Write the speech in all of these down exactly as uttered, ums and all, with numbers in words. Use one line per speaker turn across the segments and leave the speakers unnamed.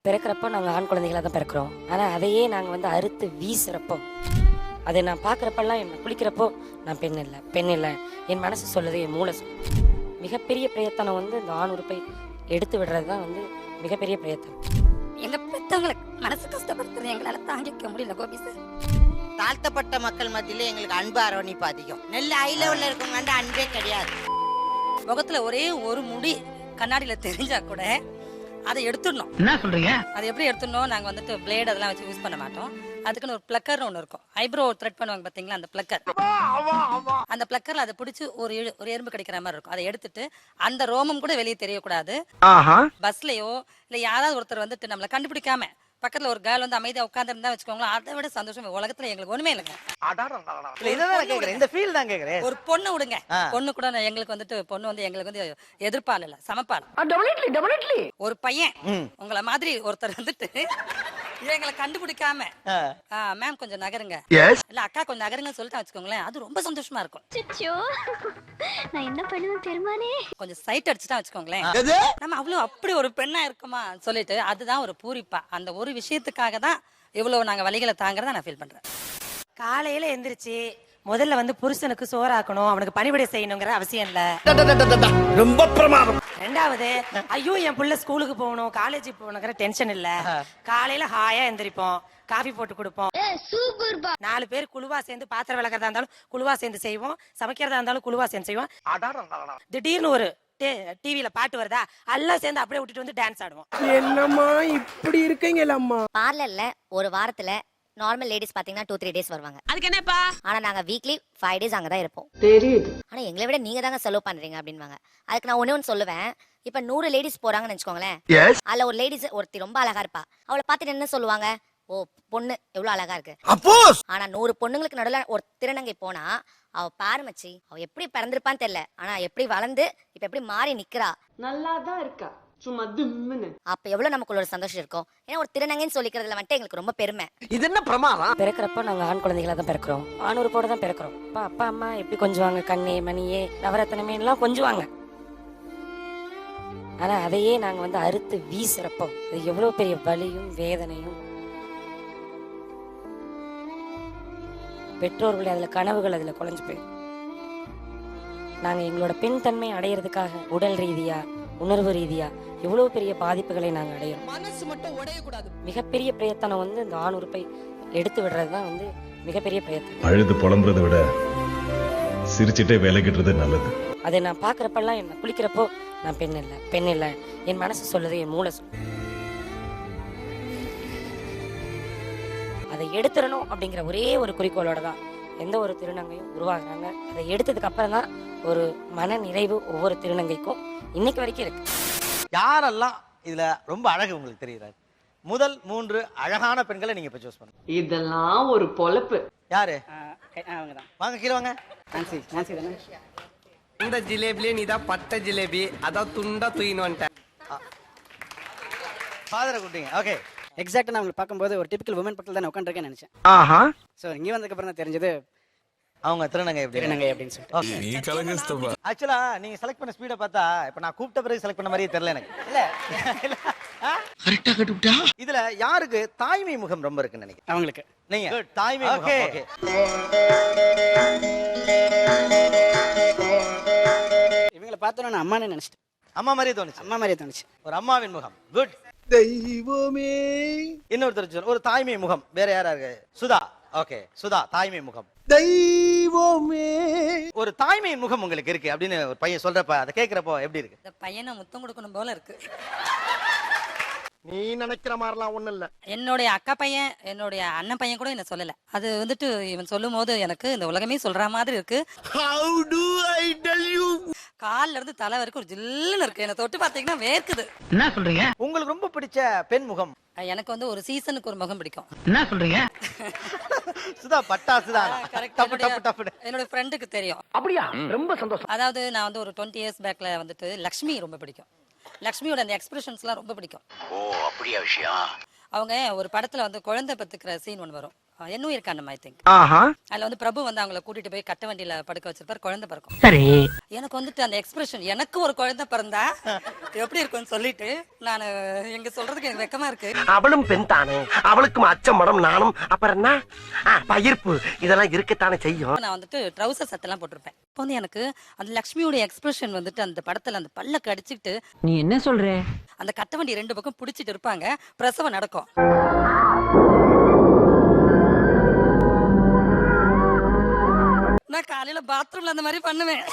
பிறக்கிறப்போ நாங்கள் ஆண் குழந்தைகளாக தான் பிறக்கிறோம். ஆனால் அதையே நாங்கள் வந்து அறுத்து வீசுகிறப்போ, அதை நான் பார்க்குறப்பெல்லாம் என்ன குளிக்கிறப்போ நான் பெண் இல்லை பெண் இல்லை என் மனசு சொல்லுது, என் மூளை சொல்லுது. மிகப்பெரிய பிரயத்தனம் வந்து இந்த ஆண் உறுப்பை எடுத்து விடுறது தான் வந்து மிகப்பெரிய பிரயத்தனம்.
எங்கள் பெற்றவங்களுக்கு மனசு கஷ்டப்படுத்துறது எங்களால் தாங்கிக்க முடியல கோபி சார்.
தாழ்த்தப்பட்ட மக்கள் மத்தியில எங்களுக்கு அன்பு அரவணைப்பு அதிகம். நெல் ஹை லெவல்ல இருக்கவங்க அன்பே கிடையாது.
முகத்துல ஒரே ஒரு முடி கண்ணாடியில தெரிஞ்சா கூட அதை எடுத்துடணும்.
என்ன சொல்றீங்க?
அதை எப்படி எடுத்துடணும்? நாங்க வந்துட்டு பிளேட் அதெல்லாம் வச்சு யூஸ் பண்ண மாட்டோம். அதுக்குன்னு ஒரு பிளக்கர் ஒன்று இருக்கும். ஐப்ரோ த்ரெட் பண்ணுவாங்க பாத்தீங்களா, அந்த பிளக்கர். அந்த பிளக்கர்ல அதை பிடிச்சி ஒரு ஒரு எறும்பு கிடைக்கிற மாதிரி இருக்கும். அதை எடுத்துட்டு அந்த ரோமம் கூட வெளியே தெரியக்கூடாது. பஸ்லயோ இல்ல யாராவது ஒருத்தர் வந்துட்டு நம்மளை கண்டுபிடிக்காம பக்கத்துல ஒரு கேர்ள் வந்து அமைதியா உட்கார்ந்து இருந்தா வச்சுக்கோங்களேன், அதை விட சந்தோஷம் உலகத்துல எங்களுக்கு ஒண்ணுமே இல்லைங்க.
இந்த ஃபீல் தான் கேக்குறேன்.
ஒரு பொண்ணு விடுங்க, பொண்ணு கூட எங்களுக்கு வந்துட்டு பொண்ணு வந்து எங்களுக்கு வந்து எதிர்ப்பால் இல்ல, சமப்பால். ஒரு பையன் உங்களை மாதிரி ஒருத்தர் வந்துட்டு எங்களை கண்டுபிடிக்காம மேம் கொஞ்சம் நகருங்க, இல்ல அக்கா கொஞ்சம் நகருங்க சொல்லிட்டு வச்சுக்கோங்களேன், அது ரொம்ப சந்தோஷமா இருக்கும்.
நான் என்ன பண்ணுவேன் பெருமானே.
கொஞ்சம் சைட் அடிச்சுட்டா வச்சுக்கோங்களேன், நம்ம அவ்வளவு அப்படி ஒரு பெண்ணா இருக்குமா சொல்லிட்டு அதுதான் ஒரு பூரிப்பா. அந்த ஒரு விஷயத்துக்காக தான் இவ்வளவு நாங்க வலிகளை தாங்கறத நான் ஃபீல் பண்றேன்.
காலையில எந்திரிச்சு முதல்ல வந்து புருஷனுக்கு சோறாக்கணும், அவனுக்கு பணிவிடை செய்யணுங்கிற அவசியம் இல்ல.
ரொம்ப பிரமாதம்.
ரெண்டாவது, ஐயோ என் புள்ள ஸ்கூலுக்கு போகணும் காலேஜுக்கு போகணுங்கிற டென்ஷன் இல்ல. காலையில ஹாயா எந்திரிப்போம், காஃபி போட்டு கொடுப்போம், நாலு பேர் குழுவா சேர்ந்து பாத்திரம் விளக்கறதா இருந்தாலும் குழுவா சேர்ந்து செய்வோம், சமைக்கிறதா இருந்தாலும் குழுவா சேர்ந்து செய்வோம். திடீர்னு ஒரு டிவில பாட்டு வருதா, எல்லாம் சேர்ந்து அப்படியே விட்டுட்டு வந்து டான்ஸ் ஆடுவோம்.
என்னம்மா இப்படி இருக்கீங்களா அம்மா?
பார்லர்ல ஒரு வாரத்துல நார்மல் லேடிஸ் பாத்தீங்கன்னா டூ த்ரீ டேஸ் வருவாங்க.
அதுக்கு என்னப்பா?
ஆனா நாங்க வீக்லி ஃபைவ் டேஸ் அங்கதான் இருப்போம். ஆனா எங்களை விட நீங்க தாங்க செலவு பண்றீங்க அப்படின்வாங்க. அதுக்கு நான் ஒண்ணு ஒண்ணு சொல்லுவேன். இப்ப நூறு லேடிஸ் போறாங்கன்னு வச்சுக்கோங்களேன், அதுல ஒரு லேடிஸ் ஒருத்தி ரொம்ப அழகா இருப்பா, அவளை பார்த்துட்டு என்ன சொல்லுவாங்க, ஓ பொண்ணு எவ்வளவு அழகா இருக்கு. ஆனா நூறு பொண்ணுங்களுக்கு நடுவுல ஒரு திருநங்கை போனா அவ பாரு மச்சி, அவ எப்படி பிறந்திருப்பான்னு தெரியல, ஆனா எப்படி வளர்ந்து இப்ப எப்படி மாறி நிக்கிறா,
நல்லாதான் இருக்கா, சும்மா திம்முன்னு.
அப்ப எவ்வளவு நமக்குள்ள ஒரு சந்தோஷம் இருக்கும். ஏன்னா ஒரு திருநங்கைன்னு சொல்லிக்கிறதுல வந்துட்டு எங்களுக்கு ரொம்ப பெருமை.
இது என்ன பிரமாதம்?
பிறக்கிறப்போ நாங்கள் ஆண் குழந்தைகளாக தான் பிறக்கிறோம், ஆண் உறுப்போட தான் பிறக்கிறோம். அப்பா அப்பா அம்மா எப்படி கொஞ்சுவாங்க, கண்ணே மணியே நவரத்தனமே எல்லாம் கொஞ்சுவாங்க. ஆனா அதையே நாங்க வந்து அறுத்து வீசுறப்போ அது எவ்வளவு பெரிய வலியும் வேதனையும். பெற்றோர்கள் அதுல கனவுகள் அதுல குலைஞ்சு போயிடும். நாங்க எங்களோட பெண் தன்மை அடையிறதுக்காக உடல் ரீதியா உணர்வு ரீதியா எவ்வளவு பெரிய பாதிப்புகளை நாங்க அடையிறோம்.
மனசு மட்டும் உடையக்கூடாது.
மிகப்பெரிய பிரயத்தனம் வந்து இந்த ஆண் உறுப்பை எடுத்து விடுறதுதான் வந்து மிகப்பெரிய பிரயத்தனம்.
அழுது புலம்புறதை விட சிரிச்சுட்டே வேலைக்கிட்டுறது நல்லது.
அதை நான் பாக்குறப்பெல்லாம் என்ன குளிக்கிறப்போ நான் பெண் இல்லை பெண் இல்லை என் மனசு சொல்லுது, என் மூளை சொல்லுது. அதை எடுத்துடணும் அப்படிங்கிற ஒரே ஒரு குறிக்கோளோட தான் எந்த ஒரு திருநங்கையும் உருவாகுறாங்க. அதை எடுத்ததுக்கு அப்புறம் தான் ஒரு மன நிறைவு ஒவ்வொரு திருநங்கைக்கும் இன்னைக்கு வரைக்கும் இருக்கு.
யாரெல்லாம் இதுல ரொம்ப அழகு உங்களுக்கு தெரியுறாரு? முதல் மூன்று அழகான பெண்களை நீங்க இப்ப சூஸ் பண்ணுங்க.
இதெல்லாம் ஒரு பொழப்பு.
யாரு?
அவங்கதான்.
வாங்க கீழே வாங்க.
நான்சி நான்சி தானே.
இந்த ஜிலேபிலே நீதான் பட்ட ஜிலேபி, அதான் துண்டா தூயின்னு வந்துட்டேன்.
ஃபாதரை கூட்டிங்க. ஓகே.
எக்ஸாக்ட்டா நான் உங்களை பார்க்கும்போது ஒரு டிபிக்கல் வுமன் பக்கத்துல தான் உட்கார்ந்திருக்கேன்னு நினைச்சேன்.
ஆஹா.
சோ இங்க வந்ததுக்கு அப்புறம் தான் தெரிஞ்சது
அவங்க திருநங்கை எப்படி
திருநங்கை அப்படின்னு சொல்லிட்டு.
நீ கலங்கஸ்தபா.
ஆக்சுவலா நீங்க செலக்ட் பண்ண ஸ்பீட பார்த்தா இப்ப நான் கூப்பிட்ட பிறகு செலக்ட் பண்ண மாதிரியே தெரியல எனக்கு. இல்ல கரெக்ட்டா கட்டுட்டா. இதுல யாருக்கு தாய்மை முகம் ரொம்ப இருக்குன்னு நினைக்கிறேன்?
அவங்களுக்கு.
நீங்க தாய்மை முகம். ஓகே.
இவங்கள பார்த்தோன்னா நான் அம்மானே நினைச்சிட்டேன்.
அம்மா மாதிரியே தோணுச்சு.
அம்மா மாதிரியே தோணுச்சு.
ஒரு அம்மாவின் முகம். குட். தெய்வமே. இன்னொருத்தர் சொல்ல ஒரு தாய்மை முகம் வேற யாரா இருக்கு? சுதா. ஓகே. சுதா தாய்மை முகம். தெய்வமே. ஒரு தாய்மை முகம் உங்களுக்கு இருக்கு அப்படின்னு ஒரு பையன் சொல்றப்ப அதை கேக்குறப்போ எப்படி இருக்கு?
இந்த பையனை முத்தம் கொடுக்கணும் போல இருக்கு.
நீ நினைக்கிற மாதிரிலாம் ஒண்ணும் இல்ல.
என்னுடைய அக்கா பையன் என்னுடைய அண்ணன் பையன் கூட என்ன சொல்லல. அது வந்துட்டு இவன் சொல்லும் போது எனக்கு இந்த உலகமே சொல்ற மாதிரி இருக்கு.
How do I tell you?
கால்ல இருந்து தலை வரைக்கும் ஒரு ஜில்லுன்னு இருக்கு. என்ன தொட்டு பாத்தீங்கன்னா வேர்க்குது.
என்ன சொல்றீங்க?
உங்களுக்கு ரொம்ப பிடிச்ச பெண் முகம்?
எனக்கு வந்து ஒரு சீசனுக்கு ஒரு முகம் பிடிக்கும்.
என்ன சொல்றீங்க?
சுதா பட்டாசுதான். டப்பு டப்பு டப்பு.
என்னோட ஃப்ரெண்டுக்கு தெரியும்.
அப்படியா? ரொம்ப சந்தோஷம்.
அதாவது நான் வந்து ஒரு டுவெண்ட்டி இயர்ஸ் பேக்ல வந்துட்டு லக்ஷ்மி ரொம்ப பிடிக்கும். லக்ஷ்மியோட அந்த எக்ஸ்பிரஷன்ஸ்லாம் ரொம்ப பிடிக்கும்.
ஓ அப்படியா விஷயம்?
அவங்க ஒரு படத்துல வந்து குழந்தை பத்துக்கிற சீன் ஒன்று வரும். என்னும் இருக்காண்டம் ஐ திங்க். அதுல வந்து பிரபு வந்து அவங்கள கூட்டிட்டு போய் கட்ட வண்டியில படுக்க வச்சிருப்பாரு, குழந்தை பிறக்கும்.
சரி.
எனக்கு வந்துட்டு அந்த எக்ஸ்பிரஷன், எனக்கு ஒரு குழந்தை பிறந்தா எப்படி இருக்கும்னு சொல்லிட்டு நான் எங்க சொல்றதுக்கு எனக்கு வெக்கமா இருக்கு.
அவளும் பெண் தானே, அவளுக்கும் அச்சம் மடம் நானும் அப்புறம் என்ன பயிர்ப்பு இதெல்லாம் இருக்கத்தானே செய்யும்.
நான் வந்துட்டு ட்ரௌசர் சட்டெல்லாம் போட்டிருப்பேன். இப்போ வந்து எனக்கு அந்த லக்ஷ்மியோட எக்ஸ்பிரஷன் வந்துட்டு அந்த படத்துல அந்த பல்ல கடிச்சிட்டு
நீ என்ன சொல்ற?
அந்த கட்ட வண்டி ரெண்டு பக்கம் பிடிச்சிட்டு இருப்பாங்க, பிரசவம் நடக்கும். நான் காலையில பாத்ரூம்ல அந்த மாதிரி பண்ணுவேன்.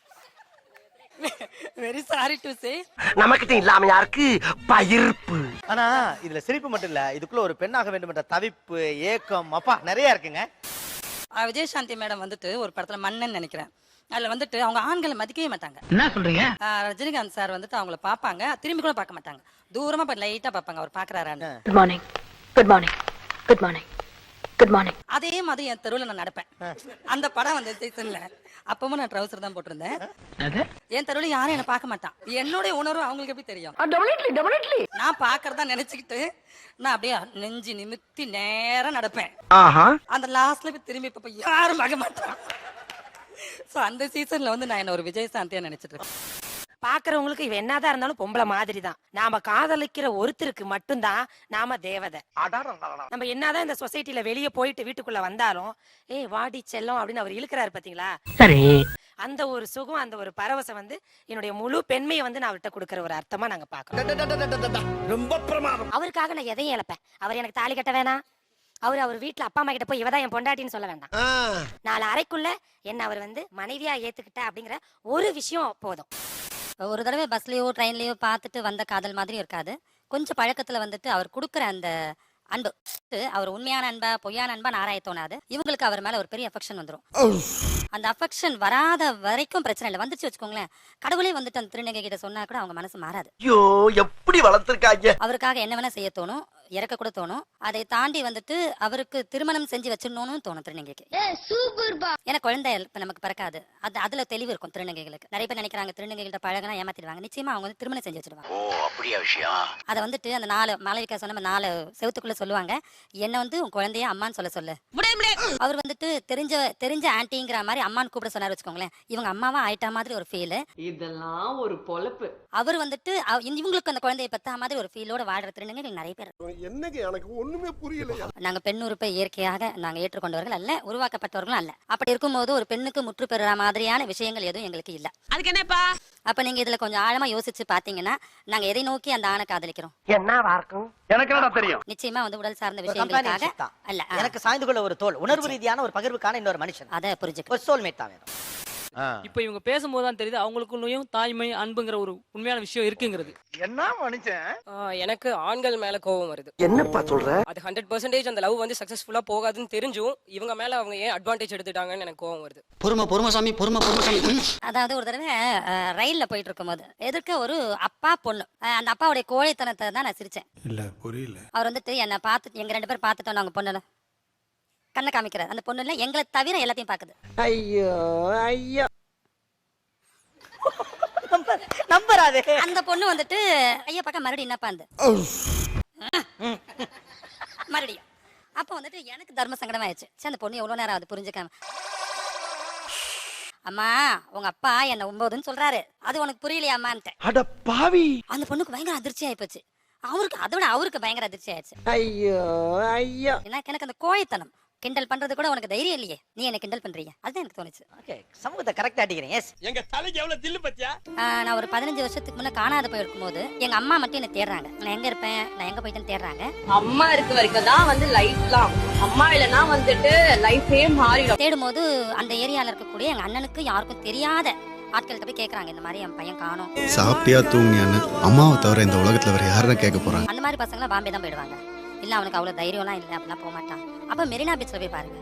Very sorry to say.
நமக்கிட்ட இல்லாம யாருக்கு பயிர்ப்பு.
ஆனா இதுல சிரிப்பு மட்டும் இல்ல, இதுக்குள்ள ஒரு பெண்ணாக வேண்டும் என்ற தவிப்பு, ஏக்கம், அப்பா நிறைய இருக்குங்க.
விஜயசாந்தி மேடம் வந்துட்டு ஒரு படத்துல மன்னன் நினைக்கிறேன், அதுல வந்துட்டு அவங்க ஆண்களை மதிக்கவே மாட்டாங்க.
என்ன சொல்றீங்க?
ரஜினிகாந்த் சார் வந்துட்டு அவங்கள பாப்பாங்க, திரும்பி கூட பார்க்க மாட்டாங்க, தூரமா லைட்டா பாப்பாங்க அவர் பாக்குறாரான்னு.
Good morning, good morning, good morning, good morning.
அதே மாதிரி என் தெருவில் நான் நடப்பேன். அந்த படம் வந்து சீசன்ல அப்பவும் நான் ட்ரௌசர் தான் போட்டிருந்தேன். என் தெருவில் யாரும் என்ன பார்க்க மாட்டான். என்னுடைய உணர்வு அவங்களுக்கு எப்படி தெரியும்? நான் பாக்குறதா நினைச்சுக்கிட்டு நான் அப்படியே நெஞ்சு நிமித்தி நேரம் நடப்பேன். அந்த லாஸ்ட்ல போய் திரும்பி இப்ப யாரும் பார்க்க மாட்டான். சோ அந்த சீசன்ல வந்து நான் என்ன ஒரு விஜயசாந்தியா நினைச்சிட்டு இருக்கேன்.
பாக்குறவங்களுக்கு இவ என்னதான் இருந்தாலும் பொம்பளை மாதிரி தான். நாம காதலிக்கிற ஒருத்தருக்கு மட்டும்தான் நாம தேவதை. நம்ம என்னதான் இந்த சொசைட்டில வெளியே போயிட்டு வீட்டுக்குள்ள வந்தாலும் ஏய் வாடி செல்லம் அப்படின்னு அவர் இழுக்கிறாரு பாத்தீங்களா?
சரி.
அந்த ஒரு சுகம், அந்த ஒரு பரவசம் வந்து என்னுடைய முழு பெண்மையை வந்து நான் அவர்கிட்ட கொடுக்கற ஒரு அர்த்தமா நாங்க பாக்கிறோம்.
ரொம்ப பிரமாதம்.
அவருக்காக நான் எதையும் இழப்பேன். அவர் எனக்கு தாலி கட்ட வேணாம், அவர் அவர் வீட்டுல அப்பா அம்மா கிட்ட போய் இவதான் என் பொண்டாட்டின்னு சொல்ல வேண்டாம். நாலு அறைக்குள்ள என்ன அவர் வந்து மனைவியா ஏத்துக்கிட்ட அப்படிங்கிற ஒரு விஷயம் போதும்.
ஒரு தடவை பஸ்லயோ ட்ரெயின்லயோ பார்த்துட்டு வந்த காதல் மாதிரி இருக்காது. கொஞ்சம் பழக்கத்துல வந்துட்டு அவர் கொடுக்குற அந்த அன்பு, அவர் உண்மையான அன்பா பொய்யான அன்பா ஆராய தோணாது. இவங்களுக்கு அவர் மேல ஒரு பெரிய அஃபெக்ஷன் வந்துடும். அந்த அஃபெக்ஷன் வராத வரைக்கும் பிரச்சனை இல்லை. வந்துச்சு வச்சுக்கோங்களேன், கடவுளே வந்துட்டு அந்த திருநங்கை கிட்ட சொன்னா கூட அவங்க மனசு மாறாது.
ஐயோ எப்படி வளர்த்திருக்காங்க.
அவருக்காக என்ன வேணா செய்ய தோணும், இறக்க கூட தோணும். அதை தாண்டி வந்துட்டு அவருக்கு திருமணம் செஞ்சு வச்சிடணும்னு தோணும் திருநங்கைக்கு. ஏன்னா குழந்தை இப்ப நமக்கு பிறக்காது. அது அதுல தெளிவு இருக்கும் திருநங்கைகளுக்கு. நிறைய பேர் நினைக்கிறாங்க திருநங்கைகிட்ட பழகினா ஏமாத்திடுவாங்க. நிச்சயமா அவங்க வந்து திருமணம் செஞ்சு வச்சிருவாங்க. அதை வந்துட்டு அந்த நாலு மாளவிகா சொன்ன நாலு செவத்துக்குள்ள சொல்லுவாங்க, என்ன வந்து உன் குழந்தைய அம்மான்னு சொல்ல சொல்லு. அவர் வந்துட்டு தெரிஞ்ச தெரிஞ்ச ஆன்டிங்கிற மாதிரி அம்மான்னு கூப்பிட சொன்னாரு வச்சுக்கோங்களேன், இவங்க அம்மாவா ஆயிட்டா மாதிரி ஒரு ஃபீல்.
இதெல்லாம் ஒரு பொழப்பு.
அவர் வந்துட்டு இவங்களுக்கு அந்த குழந்தைய பத்தா மாதிரி ஒரு ஃபீலோட வாடுற திருநங்கைகள் நிறைய பேர்.
என்னங்க எனக்கு ஒண்ணுமே புரியல.
நாங்க பெண் உறுப்பை இயற்கையாக நாங்க ஏற்றுக்கொண்டவர்கள் அல்ல, உருவாக்கப்பட்டவர்களும் அல்ல. அப்படி இருக்கும்போது ஒரு பெண்ணுக்கு முற்று பெறுற மாதிரியான விஷயங்கள் எதுவும் எங்களுக்கு இல்ல.
அதுக்கு என்னப்பா?
அப்ப நீங்க இதுல கொஞ்சம் ஆழமா யோசிச்சு பாத்தீங்கன்னா நாங்க எதை நோக்கி அந்த ஆணை காதலிக்கிறோம்?
என்னவா இருக்கும் எனக்கு என்ன தெரியும்.
நிச்சயமா வந்து உடல் சார்ந்த விஷயங்களுக்காக அல்ல.
எனக்கு சாய்ந்து கொள்ள ஒரு தோல், உணர்வு ரீதியான ஒரு பகிர்வுக்கான இன்னொரு மனுஷன்,
அத புரிஞ்சுக்க
ஒரு சோல்மேட் தான் வேணும்.
இப்ப இவங்க பேசும்போது தான் தெரியுது அவங்களுக்குள்ளயும் தாய்மை அன்புங்கிற ஒரு உண்மையான விஷயம் இருக்குங்கிறது.
என்ன மனுஷன்.
எனக்கு ஆண்கள் மேல கோபம் வருது.
என்னப்பா சொல்ற?
அது ஹண்ட்ரட் பர்சன்டேஜ் அந்த லவ் வந்து சக்சஸ்ஃபுல்லா போகாதுன்னு தெரிஞ்சும் இவங்க மேல அவங்க ஏன் அட்வான்டேஜ் எடுத்துட்டாங்கன்னு எனக்கு கோபம் வருது.
பொறுமை பொறுமை சாமி, பொறுமை பொறுமை சாமி.
அதாவது ஒரு தடவை ரயில்ல போயிட்டு இருக்கும் போது எதிர்க்க ஒரு அப்பா பொண்ணு, அந்த அப்பாவுடைய கோழைத்தனத்தை தான் நான் சிரிச்சேன்.
இல்ல புரியல.
அவர் வந்துட்டு என்ன பார்த்து எங்க ரெண்டு பேரும் பார்த்துட்டோம், நாங்க பொண்ணுல கண்ணை காமிக்கிறார். அந்த பொண்ணு இல்ல எங்களை தவிர எல்லாத்தையும் பாக்குது.
ஐயோ ஐயோ
நம்பராதே.
அந்த பொண்ணு வந்துட்டு ஐயா பக்கம் மறுபடியும் என்னப்பா அந்த மறுபடியும். அப்ப வந்துட்டு எனக்கு தர்ம சங்கடம் ஆயிடுச்சு. சரி அந்த பொண்ணு எவ்வளவு நேரம் அது புரிஞ்சுக்காம, அம்மா உங்க அப்பா என்ன ஒன்பதுன்னு சொல்றாரு, அது உனக்கு புரியலையா அம்மான்ட்டு.
அட பாவி.
அந்த பொண்ணுக்கு பயங்கர அதிர்ச்சி ஆயிப்போச்சு. அவருக்கு அதோட அவருக்கு பயங்கர அதிர்ச்சி ஆயிடுச்சு.
ஐயோ ஐயோ
எனக்கு எனக்கு அந்த கோழைத்தனம் கிண்டல் பண்றது கூட உனக்கு தைரியம் இல்லையே, நீ என்ன கிண்டல் பண்றீங்க, அதுதான் எனக்கு தோணுச்சு.
ஓகே, சமூகத்தை கரெக்டா அடிக்கிறீங்க. எஸ்,
எங்க தலைக்கு எவ்வளவு தில்லு பத்தியா.
நான் ஒரு பதினஞ்சு வருஷத்துக்கு முன்ன காணாத போயிருக்கும் போது எங்க அம்மா மட்டும் என்ன தேடுறாங்க. நான் எங்க இருப்பேன், நான் எங்க போயிட்டேன்னு தேடுறாங்க.
அம்மா இருக்க வரைக்கும் தான் வந்து லைஃப்லாம், அம்மா இல்லனா வந்துட்டு லைஃபே மாறிடும்.
தேடும் போது அந்த ஏரியால இருக்கக்கூடிய எங்க அண்ணனுக்கு யாருக்கும் தெரியாத ஆட்கள்கிட்ட போய் கேக்குறாங்க, இந்த மாதிரி என் பையன் காணோம்.
சாப்பிட்டியா தூங்கியான்னு அம்மாவை தவிர இந்த உலகத்துல வேற யாரும் கேட்க போறாங்க.
அந்த மாதிரி பசங்க பாம்பே தான் போயிடுவாங்க. இல்ல அவனுக்கு அவ்வளவு தைரியம்லாம் இல்லை அப்படிலாம் போக மாட்டான். அப்ப மெரினா பீச்ல போய் பாருங்க,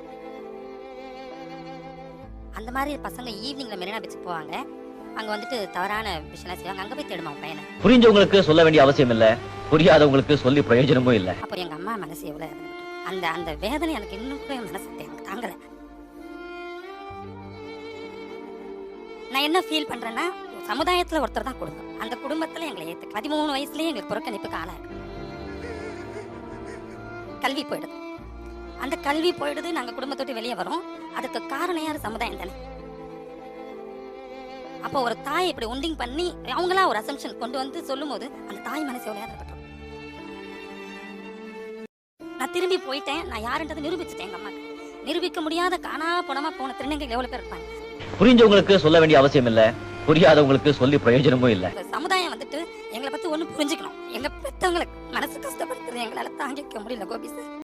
அந்த மாதிரி பசங்க ஈவினிங்ல மெரினா பீச்சுக்கு போவாங்க. அங்க வந்துட்டு தவறான விஷயம் செய்வாங்க. அங்க போய் தேடுமா பையனை.
புரிஞ்சவங்களுக்கு சொல்ல வேண்டிய அவசியம் இல்ல, புரியாதவங்களுக்கு சொல்லி பிரயோஜனமும் இல்ல.
அப்போ எங்க அம்மா மனசு எவ்வளவு அந்த அந்த வேதனை எனக்கு இன்னும் கூட மனசு எனக்கு தாங்கல. நான் என்ன ஃபீல் பண்றேன்னா, சமுதாயத்துல ஒருத்தர் தான் குடும்பம், அந்த குடும்பத்துல எங்களை ஏத்து பதிமூணு வயசுலயே எங்களுக்கு புறக்கணிப்புக்கு ஆளா இருக்கு. கல்வி போயிடுது. அந்த கல்வி போயிடுது, நாங்க குடும்பத்தை விட்டு வெளியே வரோம். அதுக்கு காரணம் யாரு? சமுதாயம் தானே. அப்போ ஒரு தாய் இப்படி ஒண்டிங் பண்ணி அவங்களா ஒரு அசம்ஷன் கொண்டு வந்து சொல்லும் போது அந்த தாய் மனசு எவ்வளவு ஏற்பட்டோம். நான் திரும்பி போயிட்டேன், நான் யாருன்றதை நிரூபிச்சுட்டேன். எங்க அம்மாக்கு நிரூபிக்க முடியாத காணா பணமா போன திருநங்கைகள் எவ்வளவு பேர் இருப்பாங்க.
புரிஞ்சவங்களுக்கு சொல்ல வேண்டிய அவசியம் இல்ல, புரியாதவங்களுக்கு சொல்லி பிரயோஜனமும் இல்ல.
சமுதாயம் வந்துட்டு எங்களை பத்தி ஒண்ணு புரிஞ்சுக்கணும். எங்க பெத்தவங்களுக்கு மனசு கஷ்டப்படுத்துறது எங்களால தாங்கிக்க முடியல கோபி சார்.